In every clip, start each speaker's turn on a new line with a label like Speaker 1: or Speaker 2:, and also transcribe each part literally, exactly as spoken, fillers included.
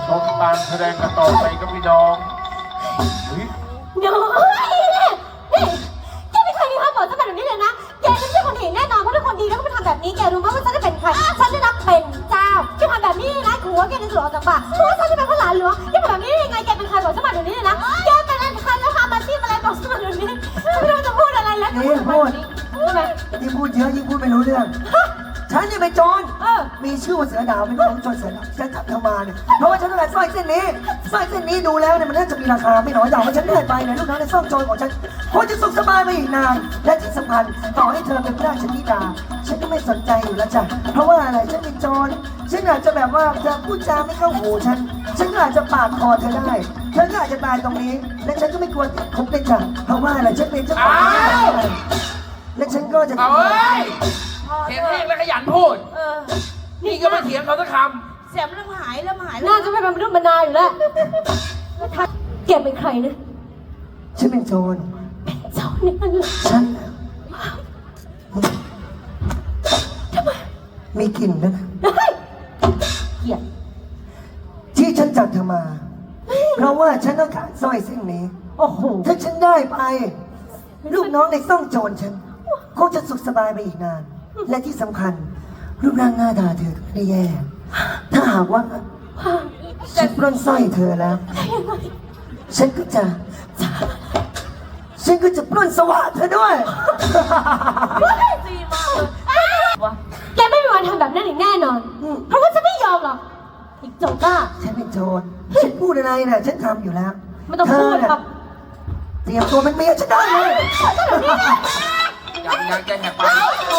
Speaker 1: ชมการแสดงกันต่อไปกับพี่น้อง
Speaker 2: เดี๋ยวนี่แกไม่เคยมีความบอกฉันแบบนี้เลยนะแกไม่ใช่คนดีแน่นอนเพราะถ้าคนดีแล้วก็ไม่ทำแบบนี้แกรู้ไหมว่าฉันจะเป็นใครฉันจะรับเป็นเจ้าแกทำแบบนี้นะหัวแกจะหลอกจากปากเพราะว่าฉันจะเป็นข้าหลานหลวงแกทำแบบนี้ยังไงแกเป็นใครบอกฉันมาเดี๋ยวนี้เลยนะแกเป็นอะไรใครแล้วทำอาชีพอะไรบอกฉันมาเดี๋ยวนี้ฉันไม่รู้จะพูดอะไรแล้ว
Speaker 3: ยิ่งพูด
Speaker 2: ทำไม
Speaker 3: ยิ่งพูดเยอะยิ่งพูดไม่รู้เรื่องฉันเนี่ยเป็นโจรมีชื่อว่าเสือดาวเป็นน้องโจรเสือดาวฉันจับเธอมาเนี่ยเพราะว่าฉันต้องการสร้อยเส้นนี้สร้อยเส้นนี้ดูแล้วเนี่ยมันน่าจะมีราคาไม่น้อยแต่ว่าฉันเลื่อนไปเนี่ยลูกน้องในซ่องโจรของฉันคงจะสุขสบายไปอีกนานและที่สำคัญต่อให้เธอเป็นพระราชธิดาฉันก็ไม่สนใจอยู่แล้วจ้ะเพราะว่าอะไรฉันเป็นโจรฉันอาจจะแบบว่าเธอพูดจาไม่เข้าหูฉันฉันก็อาจจะปาดคอเธอได้เธอก็อาจจะตายตรงนี้และฉันก็ไม่ควรติดคุกเป็นจ้ะเพราะว่าอะไรฉันเป็นเจ้าของและฉันก็จะ
Speaker 1: เอาเอ้ยเสียงแห้งและขยันพูดนี่ก็ไม่เถียงเขาสักค
Speaker 4: ำเสียงเริ่มหายเริ่มหาย
Speaker 2: น่าจะไม่เป็นมนุษย์มนาอยู่แล้วถ้าแกเป็นใครนะ
Speaker 3: ฉันเป็นโจร
Speaker 2: เป็นโจรนี่มัน
Speaker 3: ฉันมีกลิ่นนะ
Speaker 2: เกลียด
Speaker 3: ที่ฉันจับเธอมาเพราะว่าฉันต้องการสร้อยเส้นนี้โอ้โหถ้าฉันได้ไปลูกน้องในซ่องโจรฉันคงจะสุขสบายไปอีกนานและที่สำคัญรูปร่างหน้าตาเธอก็ไม่ได้แย่ถ้าหากว่าฉันปล้นสร้อยเธอแล้วฉันก็จะฉันก็จะปล้นสวะเธอด้วย
Speaker 4: ดีมากเลย
Speaker 2: แกไม่มีวันทำแบบนั้นอีกแน่นอนเพราะว่าฉันไม่ยอมหรอกอีกโจรบ้า
Speaker 3: ฉันเป็นโจรฉันพูดอะไรน่ะฉันทำอยู่แล้ว
Speaker 2: ไม่ต้องพูดครับ
Speaker 3: เตรียมตัวเป็นเมียฉันได้เลย
Speaker 1: ยังยังจะแหกปาก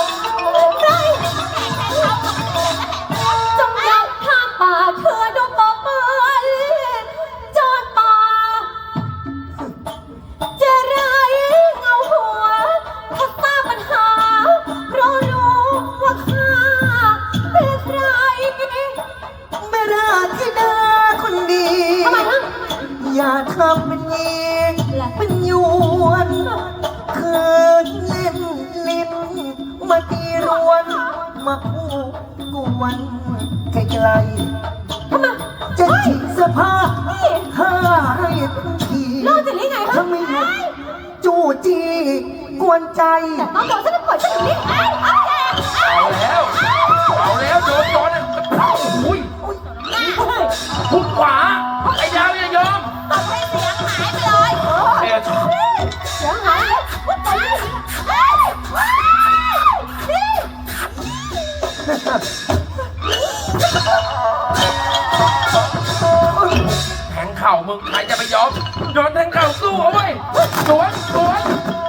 Speaker 2: จงยับข้ามป่าเธอดูปอกมือจอดป่าจะไรเงาหัวถ้าทราบปัญหาเพราะรู้ว่าข้าเป็นใคร
Speaker 3: ไม่ราธิดาคนดี
Speaker 2: ทำไมนะ
Speaker 3: อย่าทำเป็นยิงเป็นยวนคืนเล่นลิ้นมาตีรวนมาพูดกวนไกลๆจะฉีกเสื้อผ้าให้ทุกทีถ้าไม่หยุดจู้จี้กวนใจ
Speaker 2: น้องโดนฉันจะปล่อยฉันอย่างนี้
Speaker 1: เอาแล้วเอาแล้วโดนโดนอุ้ยทุกขวาไอ้ดาวอย่ายอม
Speaker 4: ตบให้เสียงหายไปเลย
Speaker 1: เสีย
Speaker 2: เสียงหาย
Speaker 1: แทงเข่ามึงใครจะไปยอมโดนแทงเข่าสู้เอาไว้สวนสวน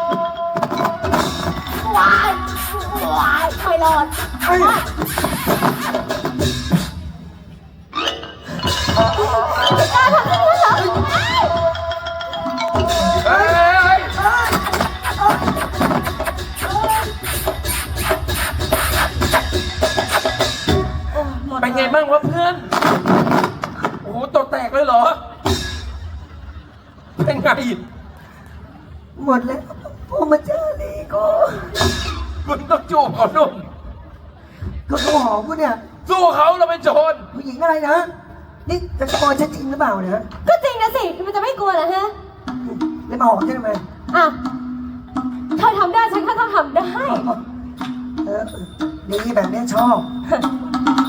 Speaker 2: วายวายไม่รอดกล้าทำอย่างนี้เหรอ
Speaker 1: เฮ้ยเป็นไงบ้างวะเพื่อนโอ้โหตัวแตกเลยเหรอเป็นไง
Speaker 3: หมดแล้วพอมาเจอนี่ก็
Speaker 1: มึงต้องจูบเขานุ่ม
Speaker 3: ก็เขาหอมกูเนี่ย
Speaker 1: สู้เขาเราเป็นโจร
Speaker 3: ผู้หญิงอะไรนะนี่จะโกนฉันจริงหรือเปล่าเนี่ย
Speaker 2: ก็จริงนะสิมันจะไม่กลัวเหรอฮะ
Speaker 3: แล้วมาหอมฉันทำไม
Speaker 2: อ่ะเธอทำได้ฉันก็ต้องทำได้
Speaker 3: เออดีแบบนี้ชอบ